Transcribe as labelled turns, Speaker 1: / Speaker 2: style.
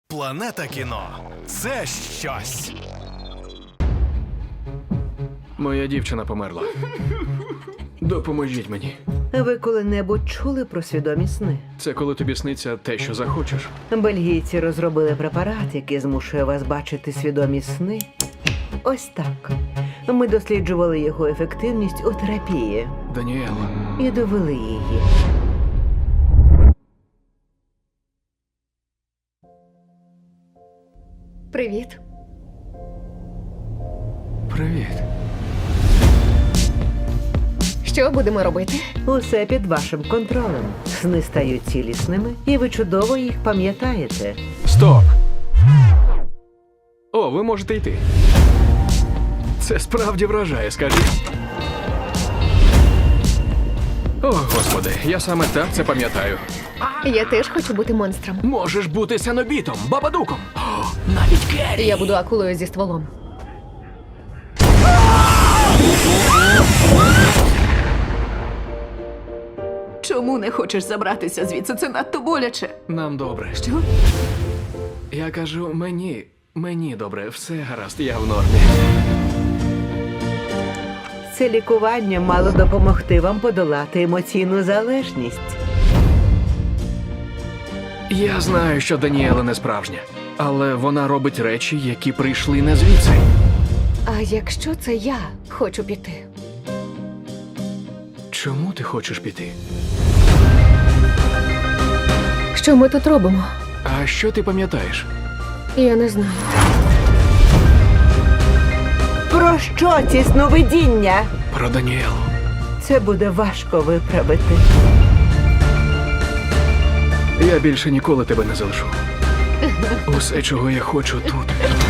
Speaker 1: Планета кіно – це щось.
Speaker 2: Моя дівчина померла. Допоможіть мені.
Speaker 3: Ви коли-небудь чули про свідомі сни?
Speaker 2: Це коли тобі сниться те, що захочеш.
Speaker 3: Бельгійці розробили препарат, який змушує вас бачити свідомі сни. Ось так. Ми досліджували його ефективність у терапії
Speaker 2: Даніел,
Speaker 3: і довели її.
Speaker 4: Привіт.
Speaker 2: привіт.
Speaker 4: Що будемо робити?
Speaker 3: Усе під вашим контролем. Сни стають цілісними, і ви чудово їх пам'ятаєте.
Speaker 2: Стоп! О, ви можете йти. Це справді вражає, скажіть. О, Господи, я саме так це пам'ятаю.
Speaker 4: Я теж хочу бути монстром.
Speaker 2: Можеш бути сенобітом, бабадуком. О, навіть Керрі.
Speaker 4: Я буду акулою зі стволом.
Speaker 5: Чому не хочеш забратися звідси? Це надто боляче.
Speaker 2: Нам добре.
Speaker 5: Що?
Speaker 2: Я кажу, мені добре, все гаразд, я в нормі.
Speaker 3: Це лікування мало допомогти вам подолати емоційну залежність.
Speaker 2: Я знаю, що Даніела не справжня, але вона робить речі, які прийшли не звідси.
Speaker 4: А якщо це я хочу піти?
Speaker 2: Чому ти хочеш піти?
Speaker 4: Що ми тут робимо?
Speaker 2: А що ти пам'ятаєш?
Speaker 4: Я не знаю.
Speaker 3: Про що ці сновидіння?
Speaker 2: Про Даніелу.
Speaker 3: Це буде важко виправити.
Speaker 2: Я більше ніколи тебе не залишу. Усе, чого я хочу тут,